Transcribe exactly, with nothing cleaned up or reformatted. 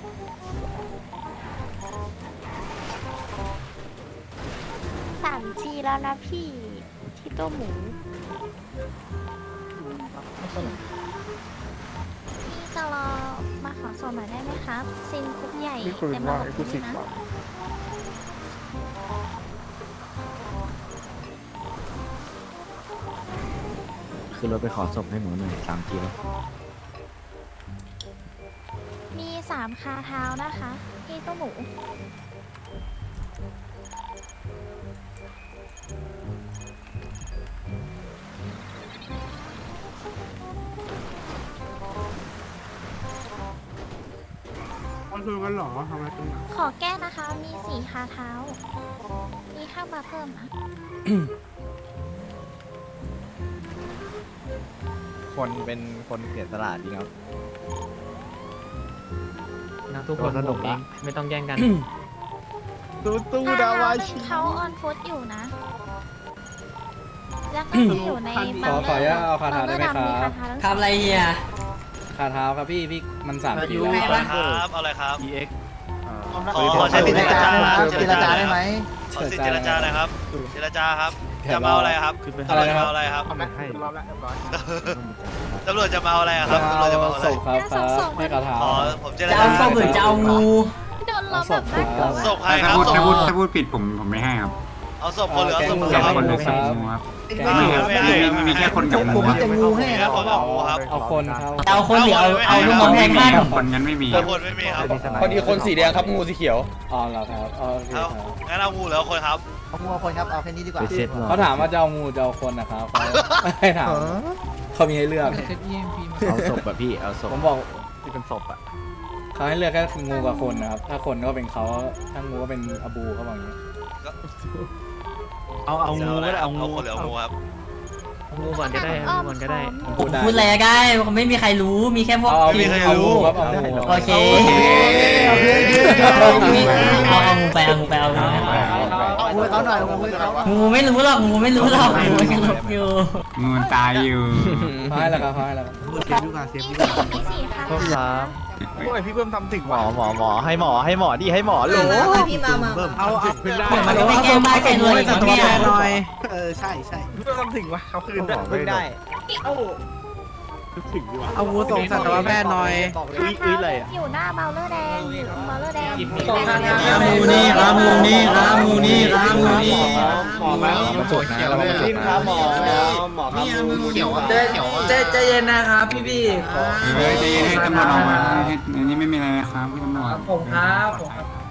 สามจีแล้วนะพี่ที่ตัวหมูพี่จะรอมาขอส่งหน่อยได้ไหมครับซินคุกใหญ่นี่คุณเต็มว่าระบบไอ้กูสินะบาทคือเราไปขอศพให้หนูหน่อยสามทีแล้วมีสามคาเท้านะคะพี่ตัวหมูมันคือกันหรอทำไมตรงนั้นขอแก้นะคะ มีสี่คาเท้า มีข้าวมาเพิ่มนะคนเป็นคนเสียสละจริงครับนะทุกคนผมเองไม่ต้องแย่งกันตู้ตู้คาดาเท้าวาหนึ่ชิงเขาออนฟุตอยู่นะ แล้วก็มีอยู่ในบังขออนุญาตเอาคาถาได้ไหมครับบังเกอดำมีคาเท้าทั้งสทำองอะไรเฮียคาเท้าครับพี่พี่มันสามคิวไงแล้ววะครับเอาอะไรครับอีเอ็กขอขอใช้สิทธิ์เจรจาครับเจรจาได้ไหมขอสิทธิ์เจรจาหน่อยครับเจรจาครับจะมาเอาอะไรครับอะไรนะคมารับเอาอะไรครับทำไมให้รอบแล้วเรียบร้อยตำรวจจะมาเอาอะไรครับตำรวจจะมาเอาอะไรศพครับครับให้คาเท้าอ๋อผมเจรจะจาเอาส้มหรือจะเอางูโดนล้อมแบบน่ากลัวศพใครคถ้ารับพูดศถ้าพพูดถ้าพูดผิดผมผมไม่ให้ครับเอาศพคนหรือเอาศพหมูแกครับงคนหหมูรือคศรัพบหมูครับแกงไม่หมูไม่มีให้มีมีแค่คนกับหมูครับจะงูให้มีคแค่รับคนกับหมูครับเอาคนครับเอาคนหรือเอาเอาลูกน้องแทงข้างคนงั้นไม่มีเอาคนไม่มีครับพอดีคนสีแดงครับงูสีเขียวอ๋อเหรอครับอ๋อโอเคเอาครับงั้นเอางูหรือเอาคนครับเอางูเอาคนครับเอาแค่นี้ดีกว่าไปเซ็ตหรอเขาถามว่าจะเอางูจะเอาคนนะครับเขาให้ถามเขามีให้เลือกเอาศพแบบพี่เอาศพผมบอกที่เป็นศพอ่ะเขาให้เลือกแค่งูกับคนนะครับ ถ้าคนก็เป็นเขาถ้างูก็เป็นอบูเขาบอกอย่างนี้เอาเอางูก็ได้เอางูคนหรือเอางูครับเอางูก่อนก็ได้เอางูก่อนก็ได้พูดได้พูดอะไรก็ได้ไม่มีใครรู้มีแค่พวกเอาเอาไม่มีใครเอารู้งูครับเอางูโอเคโอเคเอาเอางูไปเอางูไปเอางูไปเอางูให้เขาหน่อยเอางูให้เขางูไม่รู้หรอกงูไม่รู้หรอกงูยังหลบอยู่งูมันตายอยู่เขาให้แล้วครับเขาให้แล้วครับเซฟดีกว่าเซฟดีกว่ามีสี่คาเพิ่มเท้าสามโอ้ยพี่เพิ่มทำถึงหมอหมอหมอให้หมอให้หมอดิให้หมอโหลพี่มามาเอาเอาขึ้นได้มันก็ไม่แก้มากแก้รวยอีกเนี่ยเออใช่ใช่พี่เพิ่มทำถึงวะเขาคืนได้เพิ่งได้ถึงดีวะเอางูส่งสัตวแพทย์หน่อยอุ้ยอุ้ยเลยอยู่หน้าเบลเลอร์แดงเบลเลอร์แดงขามูนี่ขามูนี่ขามูนี่ขามูนี่หมอมามาจดนะเรามาจดนะหมอหมอครับงูเขียวเขียวใจใจเย็นนะครับพี่พี่เฮ้ยใจเย็นให้ตำรวจออกมาให้อันนี้ไม่มีอะไรนะครับพี่ตำรวจผมครับผมครับ